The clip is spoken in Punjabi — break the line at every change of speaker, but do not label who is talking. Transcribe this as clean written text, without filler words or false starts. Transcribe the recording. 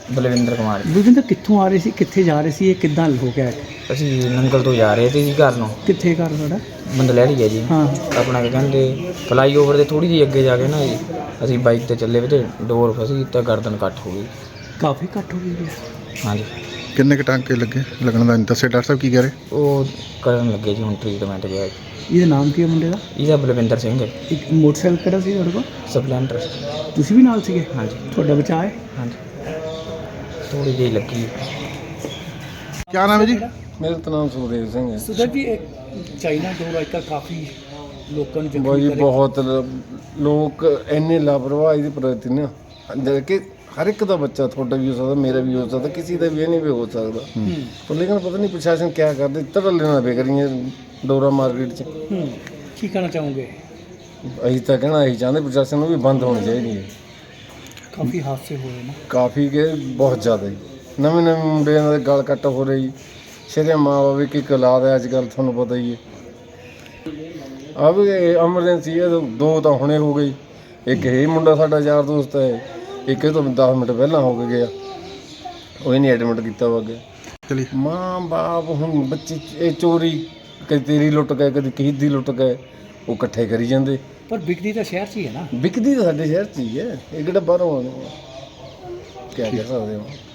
ਬਲਵਿੰਦਰ ਕੁਮਾਰ ਜੀ।
ਬਲਵਿੰਦਰ ਕਿੱਥੋਂ ਆ ਰਹੇ ਸੀ, ਕਿੱਥੇ ਜਾ ਰਹੇ ਸੀ, ਇਹ ਕਿੱਦਾਂ ਹੋ ਗਿਆ?
ਅਸੀਂ ਨੰਗਲ ਤੋਂ ਜਾ ਰਹੇ ਸੀ ਜੀ ਘਰ ਨੂੰ।
ਕਿੱਥੇ ਘਰ ਤੁਹਾਡਾ?
ਬੰਦਲੈੜੀ ਹੈ ਜੀ।
ਹਾਂ।
ਆਪਣਾ ਕੀ ਕਹਿੰਦੇ ਫਲਾਈਓਵਰ ਦੇ ਥੋੜ੍ਹੀ ਜਿਹੀ ਅੱਗੇ ਜਾ ਕੇ ਨਾ ਜੀ ਅਸੀਂ ਬਾਈਕ 'ਤੇ ਚੱਲੇ ਵੀ ਤੇ ਡੋਰ ਫਸੀ ਤਾਂ ਗਰਦਨ ਕੱਟ ਹੋ ਗਈ।
ਕਾਫੀ ਘੱਟ ਹੋ ਗਈ ਹੈ।
ਹਾਂਜੀ।
ਕਿੰਨੇ ਕੁ ਟਾਂਕੇ ਲੱਗਣ ਦਾ ਦੱਸਿਆ ਡਾਕਟਰ ਸਾਹਿਬ ਕੀ ਕਹਿ ਰਹੇ?
ਉਹ ਕਰਨ ਲੱਗੇ ਜੀ ਹੁਣ ਟ੍ਰੀਟਮੈਂਟ ਗਿਆ ਜੀ।
ਇਹਦਾ ਨਾਮ ਕੀ ਹੈ ਮੁੰਡੇ ਦਾ?
ਇਹਦਾ ਬਲਵਿੰਦਰ ਸਿੰਘ ਹੈ।
ਇੱਕ ਮੋਟਰਸਾਈਕਲ ਕਿਹੜਾ ਸੀ ਤੁਹਾਡੇ ਕੋਲ?
ਸਪਲੈਂਡਰ।
ਤੁਸੀਂ ਵੀ ਨਾਲ ਸੀਗੇ?
ਹਾਂਜੀ।
ਤੁਹਾਡਾ ਬਚਾਅ ਹੈ?
ਹਾਂਜੀ ਥੋੜ੍ਹੀ ਜਿਹੀ ਲੱਗੀ।
ਕੀ ਨਾਮ ਹੈ ਜੀ?
ਮੇਰਾ ਤਾਂ ਨਾਮ ਸੁਖਦੇਵ ਸਿੰਘ ਹੈ।
ਸੁਧਰ ਜੀ, ਚਾਈਨਾ ਡੋਰ ਅੱਜ ਕੱਲ੍ਹ ਕਾਫੀ ਲੋਕਾਂ ਨੂੰ
ਬਾਈ ਜੀ ਬਹੁਤ ਲੋਕ ਇੰਨੇ ਲਾਪਰਵਾਹੀ ਦੇ ਪ੍ਰਤੀ ਨਾ ਜਿਹੜੇ ਕਿ ਹਰ ਇੱਕ ਦਾ ਬੱਚਾ ਤੁਹਾਡਾ ਵੀ ਹੋ ਸਕਦਾ, ਮੇਰਾ ਵੀ ਹੋ ਸਕਦਾ, ਕਿਸੇ ਦਾ ਵੀ ਇਹ ਨਹੀਂ ਵੀ ਹੋ ਸਕਦਾ। ਪਰ ਲੇਕਿਨ ਪਤਾ ਨਹੀਂ ਪ੍ਰਸ਼ਾਸਨ ਕਿਆ ਕਰਦੇ, ਧੜੱਲੇ ਨਾਲ ਬੇਕਰੀਆਂ ਡੋਰਾ ਮਾਰਕੀਟ 'ਚ।
ਕੀ ਕਹਿਣਾ ਚਾਹੋਗੇ?
ਅਸੀਂ ਤਾਂ ਕਹਿਣਾ ਇਹੀ ਚਾਹੁੰਦੇ ਪ੍ਰਸ਼ਾਸਨ ਨੂੰ ਵੀ ਬੰਦ ਹੋਣੀ ਚਾਹੀਦੀ ਹੈ।
ਕਾਫੀ ਹਾਦਸੇ ਹੋਏ ਨਾ।
ਕਾਫੀ ਕਿ ਬਹੁਤ ਜ਼ਿਆਦਾ ਜੀ। ਨਵੇਂ ਨਵੇਂ ਮੁੰਡਿਆਂ ਦੇ ਗਲ ਕੱਟ ਹੋ ਰਹੀ। ਸ਼ਰਿਆ ਮਾਂ ਬਾਪ ਇੱਕ ਇੱਕ ਔਲਾਦ ਹੈ ਅੱਜ ਕੱਲ੍ਹ, ਤੁਹਾਨੂੰ ਪਤਾ ਹੀ ਹੈ। ਆ ਵੀ ਐਮਰਜੈਂਸੀ ਹੈ, ਦੋ ਤਾਂ ਹੁਣੇ ਹੋ ਗਈ। ਇੱਕ ਇਹ ਮੁੰਡਾ ਸਾਡਾ ਯਾਰ ਦੋਸਤ ਹੈ, ਇੱਕ ਇਹ ਤੋਂ 10 ਮਿੰਟ ਪਹਿਲਾਂ ਹੋ ਕੇ ਗਿਆ, ਉਹ ਨਹੀਂ ਐਡਮਿਟ ਕੀਤਾ ਵਾ ਅੱਗੇ।
ਚਲੀ
ਮਾਂ ਬਾਪ ਹੁਣ ਬੱਚੇ ਇਹ ਚੋਰੀ ਕਦੇ ਤੇਰੀ ਲੁੱਟ ਗਏ, ਕਦੇ ਕਿਸੇ ਦੀ ਲੁੱਟ ਗਏ, ਉਹ ਇਕੱਠੇ ਕਰੀ ਜਾਂਦੇ।
ਪਰ ਵਿਕਦੀ ਤਾਂ ਸ਼ਹਿਰ 'ਚ ਹੀ ਹੈ ਨਾ।
ਵਿਕਦੀ ਤਾਂ ਸਾਡੇ ਸ਼ਹਿਰ 'ਚ ਹੀ ਹੈ, ਇਹ ਕਿਹੜਾ ਬਾਹਰੋਂ ਆਉਂਦੇ। ਕਿਆ ਕਹਿ ਸਕਦੇ ਹੋ।